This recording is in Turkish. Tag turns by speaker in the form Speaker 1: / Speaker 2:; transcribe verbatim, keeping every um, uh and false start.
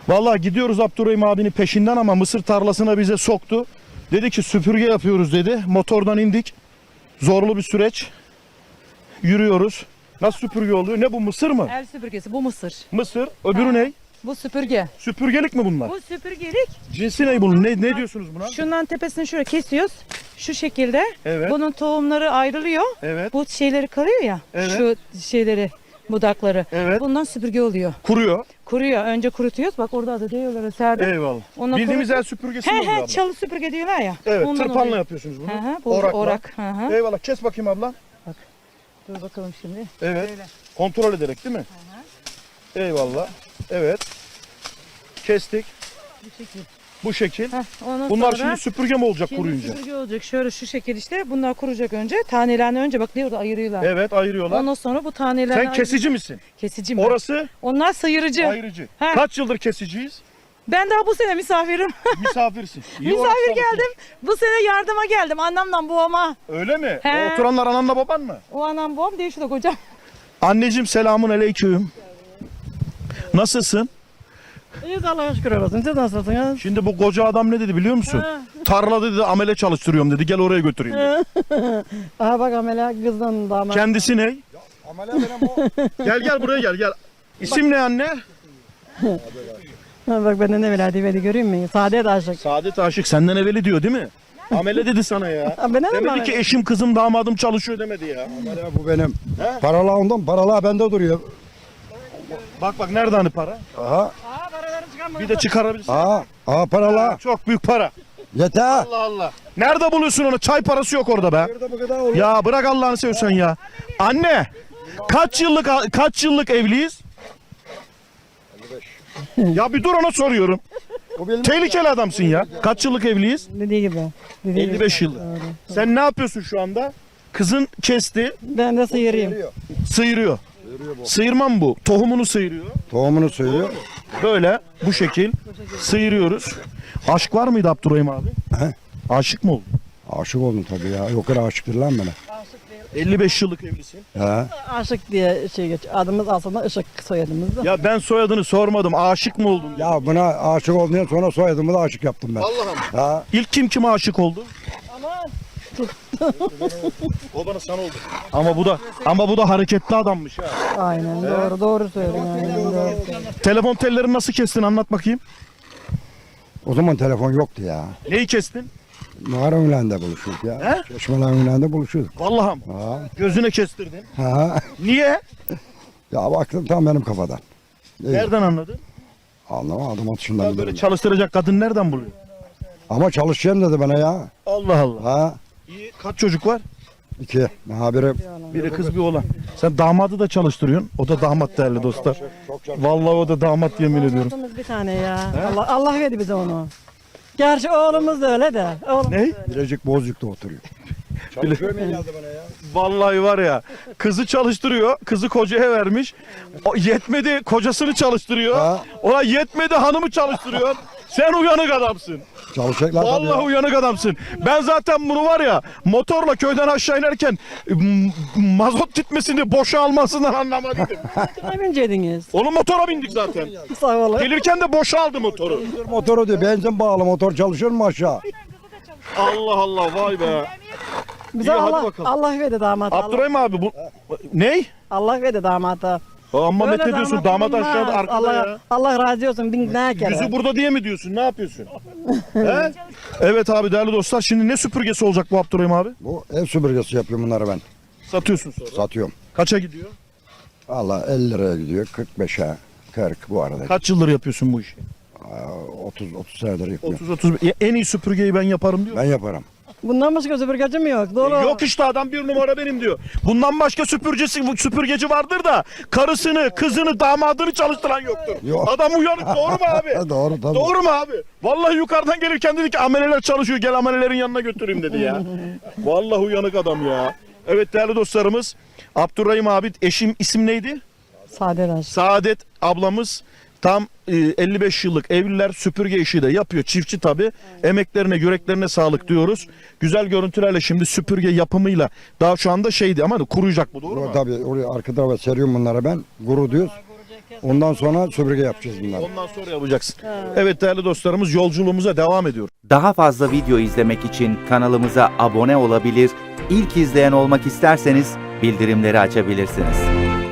Speaker 1: Vallahi gidiyoruz Abdurrahim abinin peşinden ama mısır tarlasına bize soktu. Dedi ki süpürge yapıyoruz dedi. Motordan indik. Zorlu bir süreç. Yürüyoruz. Nasıl süpürge oluyor? Ne bu, mısır mı?
Speaker 2: El süpürgesi, bu mısır.
Speaker 1: Mısır. Öbürü
Speaker 2: Ha.
Speaker 1: ne?
Speaker 2: Bu süpürge.
Speaker 1: Süpürgelik mi bunlar?
Speaker 2: Bu süpürgelik.
Speaker 1: Cinsi ne bunun? Ne, ne diyorsunuz buna?
Speaker 2: Şundan tepesini şöyle kesiyoruz. Şu şekilde.
Speaker 1: Evet.
Speaker 2: Bunun tohumları ayrılıyor.
Speaker 1: Evet.
Speaker 2: Bu şeyleri kalıyor ya.
Speaker 1: Evet.
Speaker 2: Şu şeyleri, budakları.
Speaker 1: Evet.
Speaker 2: Bundan süpürge oluyor.
Speaker 1: Kuruyor.
Speaker 2: Kuruyor. Önce kurutuyoruz. Bak orada da diyorlar serdim.
Speaker 1: Eyvallah.
Speaker 2: Ona
Speaker 1: Bildiğimiz
Speaker 2: kurut-
Speaker 1: el süpürgesi mi
Speaker 2: He
Speaker 1: oluyor
Speaker 2: he,
Speaker 1: abla?
Speaker 2: çalı süpürge diyorlar ya.
Speaker 1: Evet.
Speaker 2: Ondan
Speaker 1: Tırpanla
Speaker 2: oluyor.
Speaker 1: yapıyorsunuz bunu.
Speaker 2: He he, bu
Speaker 1: Orakla.
Speaker 2: orak. He he.
Speaker 1: Eyvallah. Kes bakayım abla.
Speaker 2: Dur bakalım şimdi.
Speaker 1: Evet.
Speaker 2: Böyle.
Speaker 1: Kontrol ederek değil mi? Eyvallah. Evet. Kestik.
Speaker 2: Bu şekil.
Speaker 1: Bu şekil.
Speaker 2: Heh, ondan
Speaker 1: Bunlar
Speaker 2: sonra
Speaker 1: şimdi süpürge mi olacak
Speaker 2: şimdi
Speaker 1: kuruyunca?
Speaker 2: süpürge olacak. Şöyle şu şekil işte. Bunlar kuracak önce. Tanelerini önce bak diyor da ayırıyorlar.
Speaker 1: Evet, ayırıyorlar.
Speaker 2: Ondan sonra bu tanelerini
Speaker 1: Sen kesici misin?
Speaker 2: Kesici mi?
Speaker 1: Orası
Speaker 2: Onlar sıyırıcı.
Speaker 1: ayırıcı.
Speaker 2: Ha.
Speaker 1: Kaç yıldır kesiciyiz?
Speaker 2: Ben daha bu sene misafirim.
Speaker 1: Misafirsin. İyi orası
Speaker 2: Misafir
Speaker 1: çalışıyorsun.
Speaker 2: geldim. Bu sene yardıma geldim. Annemden babama.
Speaker 1: Öyle mi?
Speaker 2: He.
Speaker 1: O oturanlar ananla baban mı?
Speaker 2: O anam babam değil şu da kocam.
Speaker 1: Anneciğim selamun aleyküm. Nasılsın?
Speaker 3: İyiyiz Allah'a şükür olsun. Siz nasılsınız?
Speaker 1: Şimdi bu koca adam ne dedi biliyor musun?
Speaker 3: Ha.
Speaker 1: Tarlada dedi amele çalıştırıyorum dedi. Gel oraya götüreyim dedi.
Speaker 3: Aha bak amela kızdan damat.
Speaker 1: Kendisi ne? Gel gel buraya gel gel. İsim ne anne?
Speaker 3: Ha, bak benden ne veladi veli göreyim mi? Saadet aşık.
Speaker 1: Saadet Aşık senden evveli diyor değil mi? Amele dedi sana ya.
Speaker 3: Ha, ben ne
Speaker 1: Demedi
Speaker 3: amele?
Speaker 1: ki eşim kızım damadım çalışıyor demedi ya.
Speaker 4: Ya bu benim. Paralar ondan, paralar bende duruyor.
Speaker 1: Bak bak nerede hani para?
Speaker 4: Aha,
Speaker 1: Bir de çıkarabilirsin.
Speaker 4: aha, aha paralar.
Speaker 1: Çok büyük para.
Speaker 4: Yeter.
Speaker 1: Allah Allah. Nerede buluyorsun onu? Çay parası yok orada be.
Speaker 4: Burada bu kadar olur.
Speaker 1: Ya bırak Allah'ını seversen ya. Anne, kaç yıllık kaç yıllık evliyiz? Ya bir dur, ona soruyorum.
Speaker 4: Bu benim.
Speaker 1: Tehlikeli adamsın ya. Kaç yıllık evliyiz?
Speaker 3: Dediği gibi. Dediği gibi.
Speaker 1: elli beş yıllık. Sen ne yapıyorsun şu anda? Kızın kesti,
Speaker 3: Ben de sıyırayım.
Speaker 1: sıyırıyor. Sıyırma mı bu? Tohumunu sıyırıyor.
Speaker 4: Tohumunu söylüyor.
Speaker 1: Böyle bu şekil sıyırıyoruz. Aşk var mıydı Abdurrahim abi?
Speaker 4: He?
Speaker 1: Aşık mı oldun?
Speaker 4: Aşık oldum tabii ya. Yok kadar aşıktır lan bana.
Speaker 1: elli beş yıllık evlisin.
Speaker 4: He.
Speaker 3: Aşık diye şey geç. Adımız aslında Işık soyadımız da.
Speaker 1: Ya ben soyadını sormadım. Aşık mı oldun?
Speaker 4: Ya buna aşık olduktan sonra soyadımı da aşık yaptım ben.
Speaker 1: Allah'ım.
Speaker 4: Ha.
Speaker 1: İlk kim kime aşık oldu? O bana sana oldu. Ama bu da ama bu da hareketli adammış ha.
Speaker 3: Aynen doğru doğru söylüyorsun. Aynen doğru.
Speaker 1: Telefon tellerini nasıl kestin, anlat bakayım.
Speaker 4: O zaman telefon yoktu ya.
Speaker 1: Neyi kestin?
Speaker 4: Mağara önlerinde buluşuyorduk ya.
Speaker 1: He?
Speaker 4: Çeşmeler önlerinde buluşuyorduk.
Speaker 1: Vallahi mi?
Speaker 4: Ha.
Speaker 1: Gözüne kestirdin.
Speaker 4: Ha.
Speaker 1: Niye?
Speaker 4: Ya baktım tam benim kafadan. İyi.
Speaker 1: Nereden anladın?
Speaker 4: Anlamadım atışından
Speaker 1: Ya böyle
Speaker 4: bilirim.
Speaker 1: çalıştıracak kadın nereden buluyor?
Speaker 4: Ama çalışacağım dedi bana ya.
Speaker 1: Allah Allah.
Speaker 4: Ha.
Speaker 1: İyi. Kaç çocuk var?
Speaker 4: İki. Ha biri.
Speaker 1: Biri kız bir oğlan. Sen damadı da çalıştırıyorsun. O da damat değerli dostlar. Vallahi o da damat, yemin ediyorum.
Speaker 3: Oğlumuz bir tane ya. Allah, Allah verdi bize onu. Gerçi oğlumuz da öyle de. Oğlum.
Speaker 1: Ne?
Speaker 4: Bilecik Bozcuk'ta oturuyor. Çalışıyor mu geldi bana ya?
Speaker 1: Vallahi var ya, kızı çalıştırıyor, kızı kocaya vermiş. O yetmedi, kocasını çalıştırıyor.
Speaker 4: Ha.
Speaker 1: Ona yetmedi, hanımı çalıştırıyor. Sen uyanık adamsın.
Speaker 4: Çalışacaklar tabii
Speaker 1: Vallahi
Speaker 4: ya.
Speaker 1: uyanık adamsın. Ben zaten bunu var ya, motorla köyden aşağı inerken m- mazot gitmesini, boşa almasından anlamadım.
Speaker 3: Ne binceydiniz?
Speaker 1: Onun motora bindik zaten.
Speaker 3: Sağ olun.
Speaker 1: Gelirken de boşa aldı motoru.
Speaker 4: Motoru diyor, benzin bağlı motor çalışıyor mu aşağı?
Speaker 1: Allah Allah, vay be.
Speaker 3: Bize
Speaker 1: İyi, hadi
Speaker 3: Allah,
Speaker 1: bakalım.
Speaker 3: Allah verdi damat. Allah,
Speaker 1: Abdurrahim abi bu ney?
Speaker 3: Allah verdi damata.
Speaker 1: Amma
Speaker 3: Böyle
Speaker 1: met ediyorsun, damat
Speaker 3: bulunmaz.
Speaker 1: aşağıda arkada
Speaker 3: Allah,
Speaker 1: ya.
Speaker 3: Allah razı olsun bin ne kere.
Speaker 1: Yüzü burada diye mi diyorsun? Ne yapıyorsun? He? Evet abi, değerli dostlar, şimdi ne süpürgesi olacak bu Abdurrahim abi?
Speaker 4: Bu ev süpürgesi yapıyorum bunları ben.
Speaker 1: Satıyorsun sonra.
Speaker 4: Satıyorum.
Speaker 1: Kaça gidiyor?
Speaker 4: Valla elli liraya gidiyor. kırk beşe, kırk bu arada.
Speaker 1: Kaç yıldır yapıyorsun bu işi?
Speaker 4: otuz otuz senedir yapıyorum.
Speaker 1: otuz otuz. En iyi süpürgeyi ben yaparım diyor.
Speaker 4: Ben yaparım.
Speaker 3: Bundan başka süpürgeci mi yok? Dolu.
Speaker 1: Yok işte, adam bir numara benim diyor. Bundan başka süpürgesi, süpürgeci vardır da karısını, kızını, damadını çalıştıran yoktur.
Speaker 4: Yok.
Speaker 1: Adam uyanık, doğru mu abi?
Speaker 4: Doğru tabii.
Speaker 1: Doğru mu abi? Vallahi yukarıdan gelirken dedi ki ameleler çalışıyor, gel amelelerin yanına götüreyim dedi ya. Vallahi uyanık adam ya. Evet değerli dostlarımız, Abdurrahim abi, eşim isim neydi?
Speaker 3: Sade aşk.
Speaker 1: Saadet ablamız tam e, elli beş yıllık evliler, süpürge işi de yapıyor. Çiftçi tabii. Emeklerine, yüreklerine sağlık diyoruz. Güzel görüntülerle şimdi süpürge yapımıyla, daha şu anda şeydi ama kuruyacak bu, doğru mu?
Speaker 4: Tabii oraya arka tarafa seriyorum bunları ben. Guru diyoruz. Ondan sonra süpürge yapacağız bunları.
Speaker 1: Ondan sonra yapacaksın. Evet değerli dostlarımız, yolculuğumuza devam ediyoruz.
Speaker 5: Daha fazla video izlemek için kanalımıza abone olabilir, ilk izleyen olmak isterseniz bildirimleri açabilirsiniz.